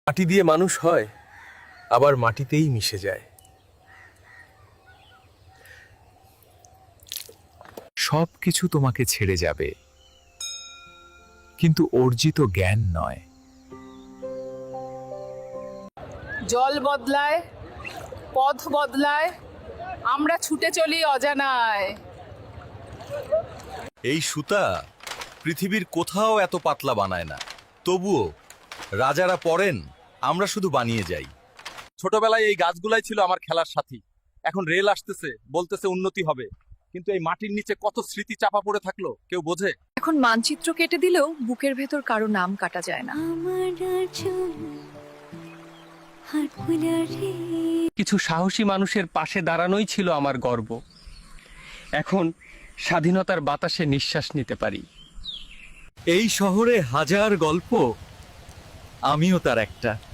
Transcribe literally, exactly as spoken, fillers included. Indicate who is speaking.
Speaker 1: মাটি দিয়ে মানুষ হয়, আবার মাটিতেই মিশে যায়।
Speaker 2: সব কিছু তোমাকে ছেড়ে যাবে, কিন্তু অর্জিত জ্ঞান নয়।
Speaker 3: জল বদলায়, পথ বদলায়, আমরা ছুটে চলি অজানায়।
Speaker 4: এই সুতা পৃথিবীর কোথাও এত পাতলা বানায় না, তবুও রাজারা পড়েন, আমরা শুধু বানিয়ে যাই। ছোটবেলায় এই গাছগুলাই ছিল আমার খেলার সাথী। এখন রেল আসতেছে, বলতেছে উন্নতি হবে, কিন্তু এই মাটির নিচে কত স্মৃতি চাপা পড়ে থাকলো কেউ বোঝে?
Speaker 5: এখন মানচিত্র কেটে দিলেও বুকের ভেতর কারো নাম কাটা যায় না।
Speaker 6: কিছু সাহসী মানুষের পাশে দাঁড়ানোই ছিল আমার গর্ব। এখন স্বাধীনতার বাতাসে নিঃশ্বাস নিতে পারি।
Speaker 4: এই শহরে হাজার গল্প, আমিও তার একটা।